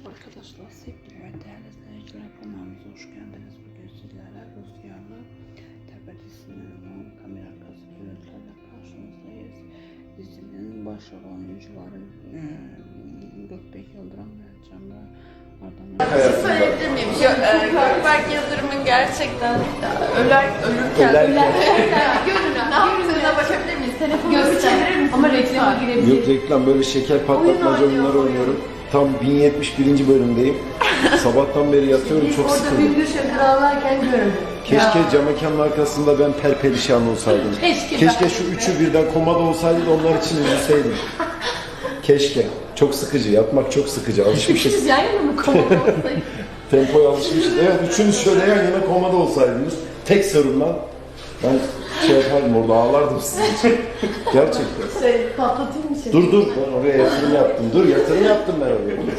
Merhaba arkadaşlar, sevgili ve değerli izleyiciler, kanalımıza hoş geldiniz. Bugün sizlerle Rüzgarlı Tepe dizisinin olan kamera arkası görüntülerle karşınızdayız. Dizinin başrol oyuncuları Gökberk Yıldırım ve Cemre Ardaman. Söyleyebilir miyim? Gökberk Yıldırım'ın gerçekten ölürken ne yaptığına bakabilir miyiz? Telefonu çevirir misin? Ama reklama girebilir. Yok reklam, böyle şeker patlatmaca oyunları oynuyorum. Tam 1071. bölümdeyim. Sabahtan beri yatıyorum, çok Orada sıkıldım. Bülbül Şefir ağlarken gördüm. Keşke cam mekanın arkasında ben perperişan olsaydım. Keşke şu üçü birden komada olsaydı da onlar için üzülseydim. Keşke. Çok sıkıcı, yatmak çok sıkıcı. Alışmışız. Üçünüz yan yana mı komada olsaydı? Tempoya alışmışız. Evet, üçünüz şöyle yan yana komada olsaydınız. Tek sarımla ben şey yapardım, orada ağlardım sizin için. Gerçekten. Patlatayım mı seni? Dur ben oraya yatırım yaptım. Dur, yatırım yaptım ben oraya.